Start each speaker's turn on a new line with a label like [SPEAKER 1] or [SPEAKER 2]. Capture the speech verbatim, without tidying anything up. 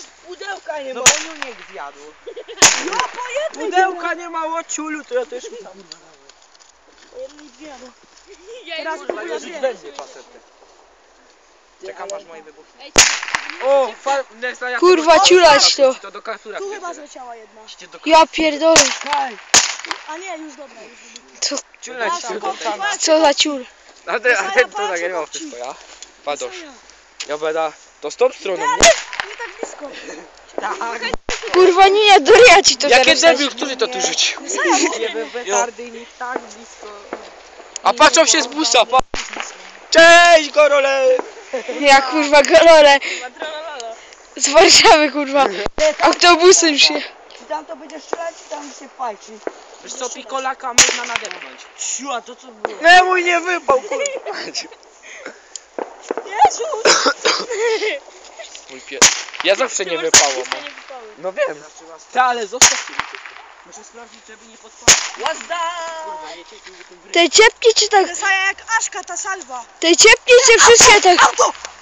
[SPEAKER 1] Pudełka nie ma.
[SPEAKER 2] No bo Juniek zjadł.
[SPEAKER 1] No po jednej
[SPEAKER 2] Pudełka nie ma, łociulu, to ja też mi tam.
[SPEAKER 1] Po jednej dwie, no.
[SPEAKER 3] Teraz
[SPEAKER 1] kurwa
[SPEAKER 2] Rzuć
[SPEAKER 1] dwie.
[SPEAKER 2] we mnie pasety. Czekam
[SPEAKER 1] ale-
[SPEAKER 2] aż moje wybuchnie.
[SPEAKER 3] Ej,
[SPEAKER 2] O, fal... Nesta, ja
[SPEAKER 4] Kurwa,
[SPEAKER 2] to-
[SPEAKER 4] ciulać to.
[SPEAKER 2] To do kasura.
[SPEAKER 1] Tu chyba zleciała jedna.
[SPEAKER 4] Ja pierdolę.
[SPEAKER 1] Kaj. A nie, już dobra, już dobra.
[SPEAKER 4] Co,
[SPEAKER 2] Ciulać
[SPEAKER 1] Patrz,
[SPEAKER 2] się
[SPEAKER 1] patrz,
[SPEAKER 2] do
[SPEAKER 1] patrz.
[SPEAKER 4] co za ciul?
[SPEAKER 2] A ty, a
[SPEAKER 1] Saja,
[SPEAKER 2] ty to
[SPEAKER 1] patrz,
[SPEAKER 2] nagrywał
[SPEAKER 1] patrz.
[SPEAKER 2] wszystko, ja? Padosz.
[SPEAKER 1] Saja.
[SPEAKER 2] Ja będę... To z tą stroną, nie?
[SPEAKER 1] Nie tak blisko.
[SPEAKER 2] Tak.
[SPEAKER 4] Kurwa, nie, ja duria ci to
[SPEAKER 2] Jakie
[SPEAKER 4] zaraz
[SPEAKER 2] debil, który to tu rzucił?
[SPEAKER 1] Saja, bo...
[SPEAKER 2] Nie wytardy nie tak blisko. A patrzą się z busa, pa... Cześć, Gorole!
[SPEAKER 4] Ja kurwa golole. Z Warszawy kurwa. Autobusem się.
[SPEAKER 1] Czy tam to będzie strzelać, czy tam się fajczy?
[SPEAKER 2] Wiesz co, pikolaka można nadepnąć.
[SPEAKER 1] Siu, a to co było?
[SPEAKER 2] Nie, mój nie wypał, kurwa.
[SPEAKER 1] Jezu!
[SPEAKER 2] Mój pies. Ja zawsze nie wypało, no. No wiem. Ty, ale zostaw mi to. Muszę sprawdzić, żeby nie podpalić.
[SPEAKER 1] Łazda!
[SPEAKER 4] Te ciepki czy tak,
[SPEAKER 1] Saja jak Aszka, ta salwa.
[SPEAKER 4] te ciepki czy wszystkie tak.
[SPEAKER 1] Auto!